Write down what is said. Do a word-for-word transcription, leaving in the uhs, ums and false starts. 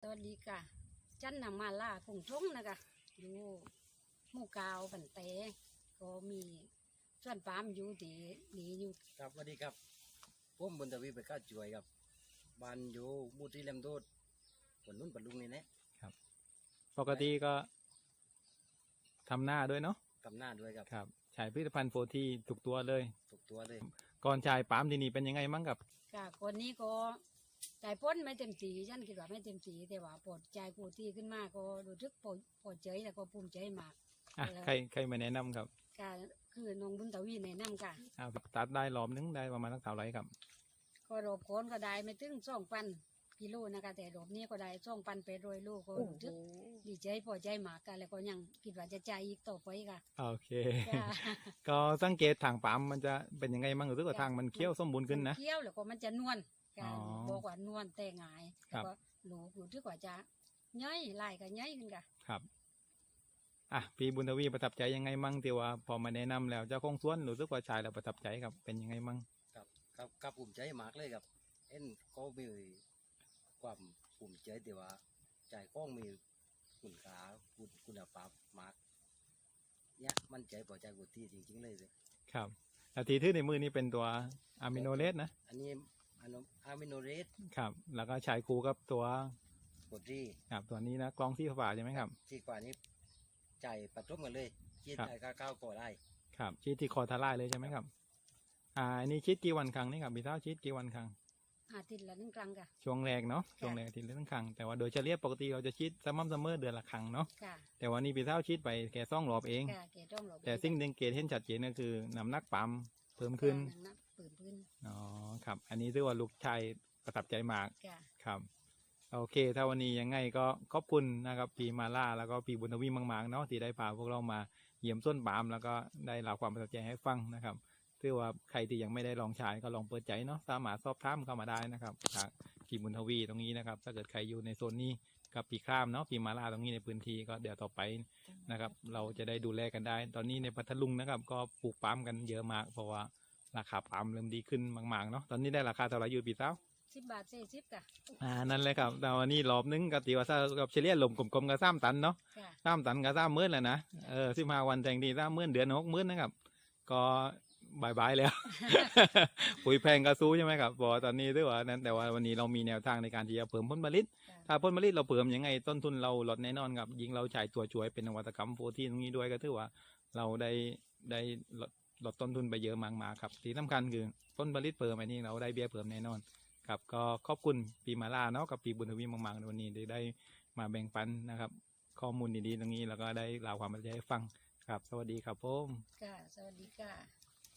วัสดีค่ะจันนำมาล่าคงทงนะคะอยู่หมู่กาวบันเตก็มีส่วนปามอยู่ที่นี่อยู่ครับสวัสดีครับผมบุญทวีไปก้าจ่วยครับบ้านอยู่มูที่เลมโดดผลนุ่นปัดลุงนี่นะครับปกติก็ทำหน้าด้วยเนาะทำหน้าด้วยครับครับใช้ผลิตภัณฑ์โฟทีทุกตัวเลยถูกตัวเลยก่อนใช้ปาล์มที่นี่เป็นยังไงมั้งครับค่ะคนนี้ก็ใจพ้นไม่เต็มสีฉันคิดว่าไม่เต็มสีแต่ว่าปลดใจผู้ที่ขึ้นมาก็รู้สึกพอพอใจแล้วก็ภูมิใจมากอ่ะใครใครมาแนะนำครับค่ะคือน้องบุญทวีแนะนำค่ะอ่าตัดได้รอบนึงได้ประมาณสักเท่าไหร่ครับก็รบโคนก็ได้ไม่ถึงสองพันกิโลนะคะแต่รอบนี้ก็ได้สองพันไปโรยลูกก็รู้สึกดีใจพอใจมากกันแล้วก็ยังคิดว่าจะใจอีกต่อไปค่ะโอเคค่ะก็สังเกตทางปาล์มมันจะเป็นยังไงมั้งหรือว่าทางมันเคี้ยวสมบูรณ์ขึ้นนะเคี้ยวแล้วก็มันจะนวลอ๋ค่ะอบอกว่านวลแต่หงายครัแล้วบก็หนูรู้สึกว่าจะย่อยลายก็ย่อยขึ้นค่ะครับอ่ะพี่บุญทวีประทับใจยังไงมั่งที่ว่าพอมาแนะนำแล้วเจ้าของสวนรู้สึกว่าใช้แล้วประทับใจครับเป็นยังไงมั่งครับครับครับภูมิใจมากเลยครับเอ็นเขามีความภูมิใจแต่ว่าใจข้องมีคุณค่าคุณคุณภาพมากเนี่ยมั่นใจพอใจกุที่จริงๆเลยเลยครับแล้วทีที่ในมือนี้เป็นตัวอะมิโนเลสนะอันนี้อันอะมิโนเรสครับแล้วก็ใช้คู่กับตัวกดที่ครับตัวนี้นะกล้องที่ฝาใช่ไหมครับที่กว่านี้ใจปัดทุกกันเลยคิดครับใจก้าวก้าวก่อได้ครับชีดที่คอทาร่ายเลยใช่ไหมครับอ่าอันนี้ชีดกี่วันครั้งนี่ครับพี่เท้าชีดกี่วันครั้งอาทิตย์ละหนึ่งครั้งค่ะช่วงแรกเนาะช่วงแรกอาทีละครั้งแต่ว่าโดยเฉลี่ยปกติเราจะชีดสม่ำเสมอเดือนละครั้งเนาะค่ะแต่วันนี้พี่เท้าชีดไปแค่สองรอบเองค่ะเกต้องหลบแต่สิ่งหนึ่งเกตเห็นชัดเจนก็คือน้ำหนักปั๊มเพิ่มขึ้นนับปืนพื้นอ๋อครับอันนี้ถือว่าลูกชายประทับใจมากค่ะครับโอเคถ้าวันนี้ยังไงก็ขอบคุณนะครับพี่มาล่าแล้วก็พี่บุญทวีมากๆเนาะที่ได้พาพวกเรามาเยี่ยมต้นปาล์มแล้วก็ได้เล่าความประทับใจให้ฟังนะครับถือว่าใครที่ยังไม่ได้ลองใช้ก็ลองเปิดใจเนาะสามารถสอบถามเข้ามาได้นะครับทางพี่บุญทวีตรงนี้นะครับถ้าเกิดใครอยู่ในโซนนี้กับพี่ข้ามเนาะพี่มาล่าตรงนี้ในพื้นที่ก็เดี๋ยวต่อไปนะครับเราจะได้ดูแลกันได้ ตอนนี้ในพัทลุงนะครับก็ปลูกปาล์มกันเยอะมากเพราะว่าราคาปาล์มเริ่มดีขึ้นมากๆเนาะตอนนี้ได้ราคาเท่าไหร่อยู่พี่สาวสิบบาทสี่สิบค่ะอ่านั่นเลยครับแต่วันนี้รอบนึงก็ตีว่าถ้ากับเฉลี่ยลมกลมๆก็สามตันเนาะค่ะสามตันก็สามหมื่นแล้วนะเออสิบห้าวันแต่งดีสามหมื่นเดือนหกหมื่นนะครับก็บายบายแล้ว ปุ๋ยแพงก็สู้ใช่ไหมครับพอตอนนี้ด้วยว่านั้นแต่ว่าวันนี้เรามีแนวทางในการที่จะเพิ่มผลผลิตค่ะถ้าผลผลิตเราเพิ่มยังไงต้นทุนเราลดแน่นอนครับยิ่งเราใช้ตัวช่วยเป็นนวัตกรรมโฟทีตรงนี้ด้วยก็ถือว่าเราได้ได้ลดลดต้นทุนไปเยอะมากๆครับที่สำคัญคือผลผลิตเพิ่มอันนี้เราได้เบี้ยเพิ่มแน่นอน ครับก็ขอบคุณปีมาล่าเนาะกับปีบุญทวีมากๆในวันนี้ที่ได้มาแบ่งปันนะครับข้อมูลดีๆตรงนี้แล้วก็ได้เล่าความประทับใจให้ฟังครับสวัสดีครับผมค่ะ สวัสดีค่ะ